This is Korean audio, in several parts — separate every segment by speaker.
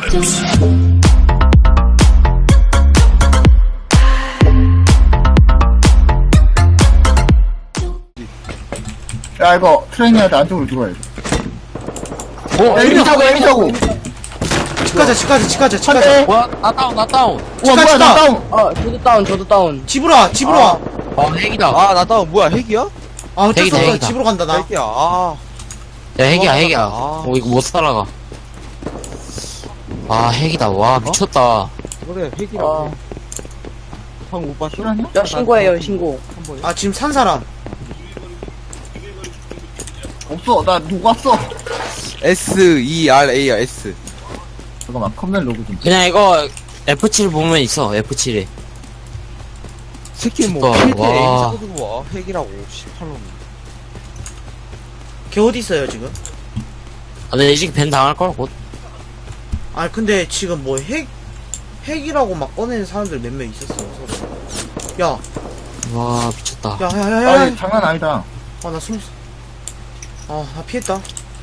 Speaker 1: 야, 이거 트레이너한테 안쪽으로 들어와야 돼. 야, 에미 사고.
Speaker 2: 치카자.
Speaker 3: 뭐야? 나 다운.
Speaker 1: 우와, 뭐야, 나 다운.
Speaker 4: 저도 다운.
Speaker 2: 집으로 와.
Speaker 3: 핵이다.
Speaker 5: 아, 나 다운 뭐야, 핵이야?
Speaker 2: 아, 어쩔 수 없어.
Speaker 3: 핵이다.
Speaker 2: 집으로 간다, 나.
Speaker 5: 핵이야, 아.
Speaker 3: 야, 핵이야.
Speaker 5: 아.
Speaker 3: 이거 못 살아가. 아, 핵이다. 와, 미쳤다.
Speaker 5: 그래, 핵이라고. 방금 못 봤어?
Speaker 1: 실화냐?
Speaker 4: 야, 신고해요, 신고.
Speaker 2: 아, 지금 산 사람.
Speaker 1: 없어, 나 녹았어.
Speaker 5: SERA야, S.
Speaker 1: 잠깐만, 컴퓨터 로그 좀.
Speaker 3: 그냥 이거 F7 보면 있어. F7에.
Speaker 5: 새끼 뭐,
Speaker 3: 진짜,
Speaker 5: 필드에 에임
Speaker 3: 와.
Speaker 5: 사고도 와. 핵이라고, 18놈.
Speaker 2: 걔 어디 있어요, 지금?
Speaker 3: 아, 근데 이 새끼 밴 당할 걸 곧.
Speaker 2: 아, 근데 지금 뭐 핵이라고 막 꺼내는 사람들 몇 명 있었어, 서로. 야,
Speaker 3: 와, 미쳤다.
Speaker 1: 아니, 장난 아니다.
Speaker 2: 아, 나 숨, 나 피했다.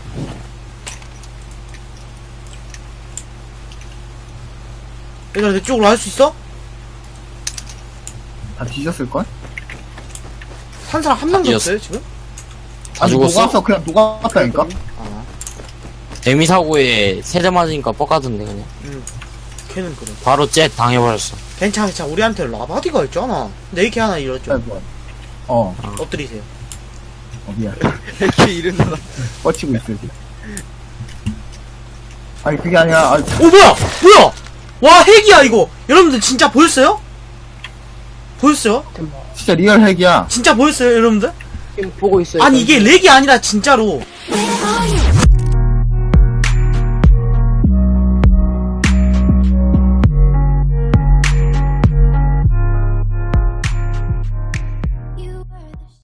Speaker 2: 얘들아, 내 쪽으로 할 수 있어?
Speaker 1: 다 뒤졌을걸?
Speaker 2: 산 사람 한 명도
Speaker 3: 뒤졌어.
Speaker 2: 없어요, 지금?
Speaker 3: 다
Speaker 1: 아니,
Speaker 3: 죽었어?
Speaker 1: 녹았어. 그냥 녹았다니까?
Speaker 2: 아,
Speaker 3: 데미 사고에 세대 맞으니까 뻑가던데, 그냥.
Speaker 2: 걔는 그래.
Speaker 3: 바로 jet 당해버렸어.
Speaker 2: 괜찮아. 우리한테 라바디가 있잖아. 내 이렇게 하나 잃었죠.
Speaker 1: 뭐야. 어,
Speaker 2: 엎드리세요.
Speaker 1: 미안.
Speaker 5: 핵이 이른다.
Speaker 1: 뻗치고 있어, 지금. 아니, 그게 아니라, 아니,
Speaker 2: 오, 뭐야! 와, 핵이야, 이거! 여러분들 진짜 보였어요? 보였어요?
Speaker 1: 진짜 리얼 핵이야.
Speaker 2: 진짜 보였어요, 여러분들?
Speaker 4: 지금 보고 있어요.
Speaker 2: 아니, 이게 렉이 아니라 진짜로.
Speaker 6: Where are you?